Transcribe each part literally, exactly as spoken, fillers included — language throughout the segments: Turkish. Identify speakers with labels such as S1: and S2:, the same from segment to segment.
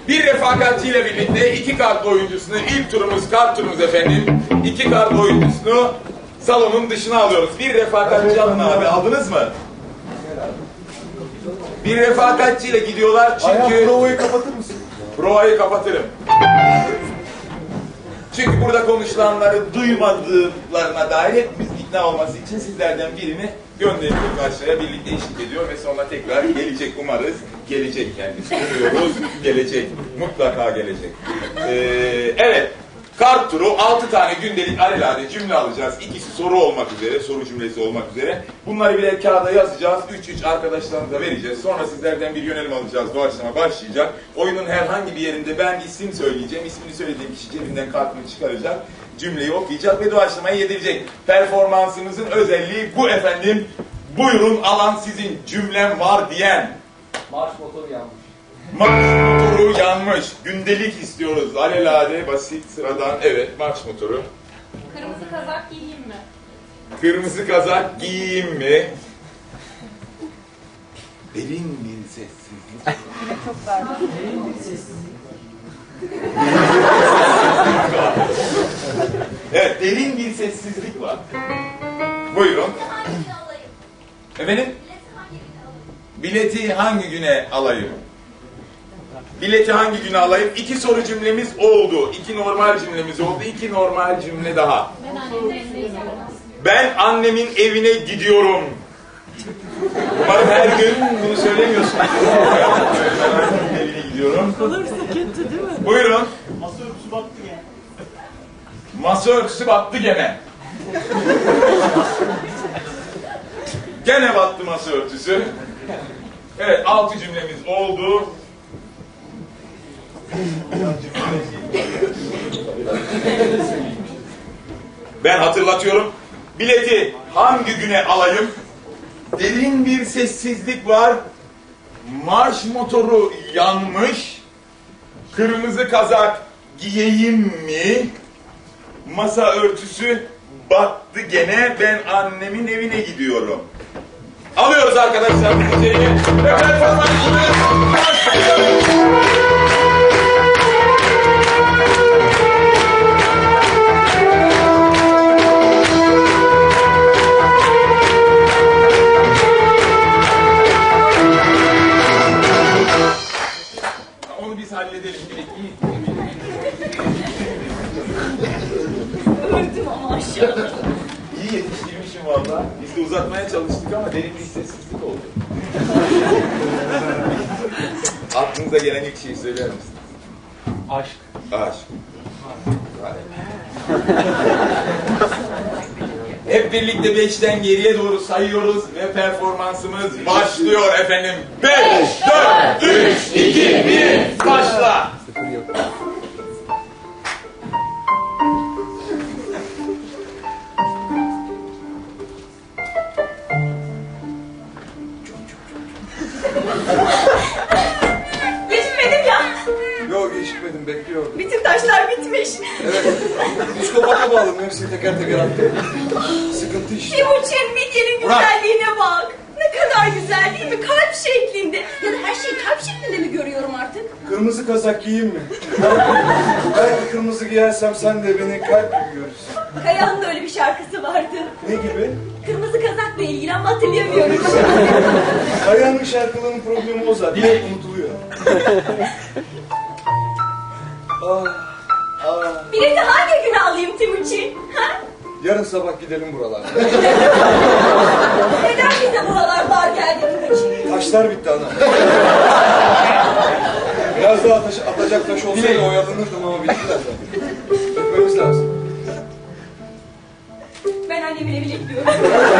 S1: Bir refakatçiyle birlikte iki kart oyuncusunu, ilk turumuz kart turumuz efendim. İki kart oyuncusunu salonun dışına alıyoruz. Bir refakatçi alın abi. Aldınız mı? Bir refakatçiyle gidiyorlar çünkü...
S2: Ayhan, provayı kapatır mısın?
S1: Provayı kapatırım. Çünkü burada konuşulanları duymadıklarına dair hepimiz ikna olması için sizlerden birini gönderiyoruz aşağıya, birlikte eşlik ediyor ve sonra tekrar gelecek umarız. Gelecek kendisi. Umuyoruz, gelecek. Mutlaka gelecek. Ee, evet. Kart turu, altı tane gündelik alelade cümle alacağız. İkisi soru olmak üzere, soru cümlesi olmak üzere. Bunları birer kağıda yazacağız. Üç üç arkadaşlarımıza vereceğiz. Sonra sizlerden bir yönelim alacağız. Doğaçlama başlayacak. Oyunun herhangi bir yerinde ben isim söyleyeceğim. İsmini söylediğim kişi cebinden kartını çıkaracak. Cümleyi okuyacak ve doğaçlamayı yedirecek. Performansımızın özelliği bu efendim. Buyurun, alan sizin. Cümlem var diyen.
S3: Marş motoru yanmış.
S1: Marş motoru yanmış. Gündelik istiyoruz. Alelade, basit, sıradan. Evet, marş motoru.
S4: Kırmızı kazak giyeyim mi?
S1: Kırmızı kazak giyeyim mi? Derin bir sessizlik.
S4: Çok pardon.
S3: Derin bir sessizlik.
S1: Evet, derin bir sessizlik var. Buyurun. Efendim? Bileti hangi güne alayım? Bileti hangi güne alayım? İki soru cümlemiz oldu. İki normal cümlemiz oldu. İki normal cümle daha. Ben annemin evine gidiyorum. Umarım her gün bunu söylemiyorsunuz. Ben annemin evine gidiyorum.
S5: Olursa kötü değil mi?
S1: Buyurun.
S2: Masa örtüsü battı gene.
S1: Masa örtüsü battı gene. Gene battı masa örtüsü. Evet, altı cümlemiz oldu. Ben hatırlatıyorum. Bileti hangi güne alayım? Derin bir sessizlik var. Marş motoru yanmış. Kırmızı kazak giyeyim mi? Masa örtüsü battı gene. Ben annemin evine gidiyorum. Alıyoruz arkadaşlar bu içeriye. Ve performansımız başlıyor. Onu biz halledelim.
S4: Öldüm ama aşağıda.
S1: İyi yetiştirmişim valla. Biz de uzatmaya çalıştık ama derin bir sessizlik oldu. Aklınıza gelen ilk şeyi söyler misiniz?
S3: Aşk.
S1: Aşk. Hep birlikte beşten geriye doğru sayıyoruz ve performansımız başlıyor efendim. Beş, dört, üç, iki, bir, başla.
S4: Geçmedim ya.
S2: Yok, geçmedim, bekliyorum.
S4: Bütün taşlar bitmiş.
S2: Evet. Psikopata bağladım, hepsini teker teker attım. Sıkıntı işte.
S4: Timuçin midyenin güzelliğine bak. Ne kadar güzel değil mi? Kalp şeklinde. Ya da her şeyi kalp şeklinde mi görüyorum artık?
S2: Kırmızı kazak giyeyim mi? Belki kırmızı giyersem sen de beni kalp gibi görürsün.
S4: Kaya'nın da öyle bir şarkısı vardı.
S2: Ne gibi?
S4: Kırmızı kazakla ilgili ama hatırlayamıyorum.
S2: Kaya'nın şarkılarının problemi o zaten. Direkt unutuluyor. Ah, ah.
S4: Bileti hangi güne alayım Timuçin? Ha?
S2: Yarın sabah gidelim buralarda.
S4: Neden bize buralar dar geldi Timuçin?
S2: Taşlar bitti ana. Biraz daha taş, atacak taş olsaydı oyalanırdım ama bittiler zaten. Öpmemiz lazım.
S4: Ben annemin evine gidiyorum.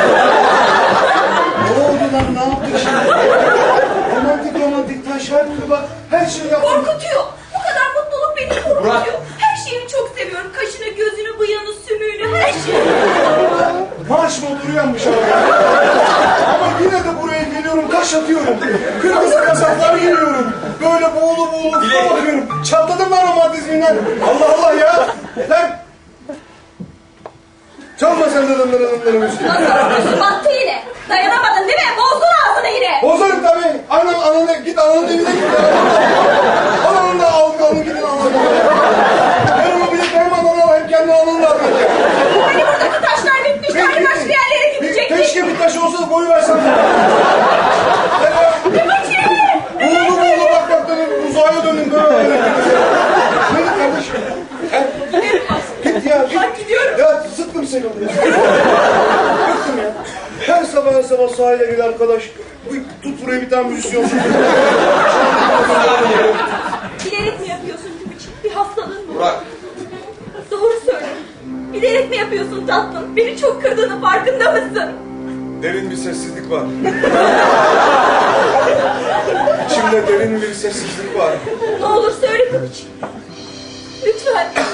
S2: Ne oldu lan, ne yaptık şimdi? Romantik romantik taş şarkı bak, her şey yaptım.
S4: Korkutuyor. Bu kadar mutluluk beni korkutuyor. Her şeyini çok seviyorum. Kaşını, gözünü, bıyığını, sümüğünü, her şeyi.
S2: Marş motoru yanmış abi. Ama yine de buraya geliyorum, taş atıyorum. Kırmızı kazaklar giyiyorum. Böyle boğulu boğulu kupa bakıyorum. Çatladım lan romantizminden. Allah Allah ya. Lan. Çalma sen de dındırı dındırı müziği.
S4: Nasıl battı yine? Dayanamadın değil mi? Bozdun ağzını yine.
S2: Bozarım tabii. Anam ananı git ananın evine git. Ananın da sıkıldım ya. Bıktım ya. Her sabah her sabah sahile gel arkadaş. Bu- Tut buraya bir tane müzisyon.
S4: Bilerek mi yapıyorsun Timuçin? Bir hastalığın mı?
S1: Burak,
S4: Doğru söyle. Bilerek mi yapıyorsun tatlım? Beni çok kırdığının farkında mısın?
S2: Derin bir sessizlik var. İçimde derin bir sessizlik var.
S4: Ne olur söyle Timuçin. Lütfen.